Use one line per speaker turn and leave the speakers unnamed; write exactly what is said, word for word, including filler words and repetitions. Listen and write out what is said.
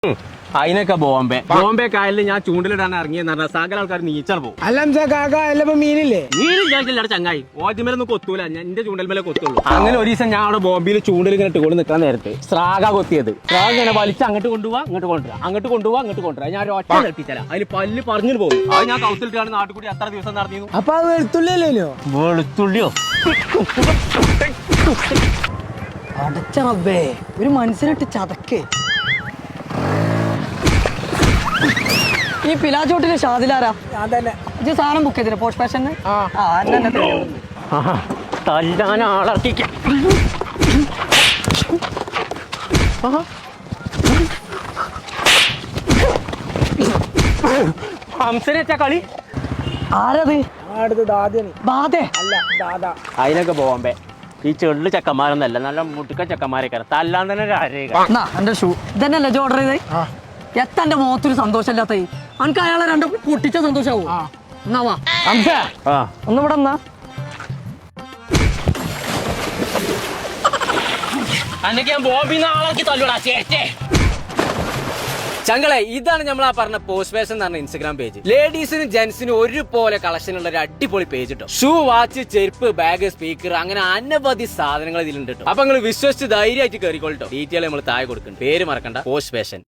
അതിനൊക്കെ ബോംബെ ബോംബെ കായലിൽ ഞാൻ ചൂണ്ടിലിടാൻ ഇറങ്ങിയെന്ന് പറഞ്ഞാൽ സകല ആൾക്കാർ നീച്ചാൽ പോകും.
അല്ല കാക്ക അല്ലപ്പോ മീനില്ലേ?
മീനും ചോദിച്ചില്ല ചങ്ങായി, ഓദ്യമേലൊന്നും കൊത്തൂല, ഞാൻ എന്റെ ചൂണ്ടൽ മേലെ കൊത്തുള്ളൂ. അങ്ങനെ ഒരു ദിവസം ഞാൻ അവിടെ ബോംബെയിൽ ചൂണ്ടിൽ ഇങ്ങനെ ഇട്ടുകൊണ്ട് നിൽക്കാൻ നേരത്തെ സ്രാഗ കൊത്തിയത്. സ്രാഗ ഇങ്ങനെ വലിച്ച് അങ്ങോട്ട് കൊണ്ടുപോവാ ഇങ്ങോട്ട് കൊണ്ടുവരാം, അങ്ങോട്ട് കൊണ്ടുപോവാ അങ്ങോട്ട് കൊണ്ടുവരാം. ഞാൻ ഒറ്റ നിർത്തിച്ചാല അതിൽ പല്ല് പറഞ്ഞു പോകും. അത് ഞാൻ കൗത്തിലിട്ടാണ് നാട്ടിൽ കൂടി അത്ര ദിവസം നടന്നിരുന്നു.
അപ്പൊ അത് വെളുത്തുള്ളിയല്ലോ?
വെളുത്തുള്ളിയോ?
അടച്ച റബ്ബേ, ഒരു മനസ്സിലിട്ട് ചതക്കേ. ഈ പിലാച്ചോട്ടിലെ ഷാദിലാരാ? ഇത് സാധനം ബുക്ക് ചെയ്തില്ല പോസ്റ്റ് ഫാഷന്?
തല്ലാൻ ആളർക്കിക്ക ഹംസനെ വെച്ച കളി
ആരത്? ബാധേ
അല്ല ദാദാ. അതിനൊക്കെ ബോംബെ ഈ ചെള്ളു ചെക്കന്മാരൊന്നല്ല, നല്ല മുട്ടുക്ക ചെക്കന്മാരൊക്കെ തല്ലാൻ തന്നെ
എന്റെ ഷൂ ഇതന്നെയല്ലേ ഓർഡർ ചെയ്തേ? എത്തന്റെ മുഖത്തൊരു സന്തോഷമില്ലാത്ത അനക്ക് അയാളെ രണ്ടും പൊട്ടിച്ച സന്തോഷാവോ? എന്നാവാ ഒന്ന് ഇവിടെ എന്നാ
ചങ്കളെ. ഇതാണ് നമ്മൾ ആ പറഞ്ഞ പോസ്റ്റ് ഫാഷൻ എന്ന് പറഞ്ഞ ഇൻസ്റ്റാഗ്രാം പേജ്. ലേഡീസിനും ജെന്റ്സിനും ഒരുപോലെ കളക്ഷൻ ഉള്ള ഒരു അടിപൊളി പേജ് കേട്ടോ. ഷൂ, വാച്ച്, ചെരുപ്പ്, ബാഗ്, സ്പീക്കർ, അങ്ങനെ അനവധി സാധനങ്ങൾ ഇതിലുണ്ട് കേട്ടോ. അപ്പൊ നിങ്ങൾ വിശ്വസിച്ച് ധൈര്യമായിട്ട് കയറിക്കോളട്ടോ. ഡീറ്റെയിൽ നമ്മൾ താഴെ കൊടുക്കും. പേര് മറക്കണ്ട, പോസ്റ്റ് ഫാഷൻ.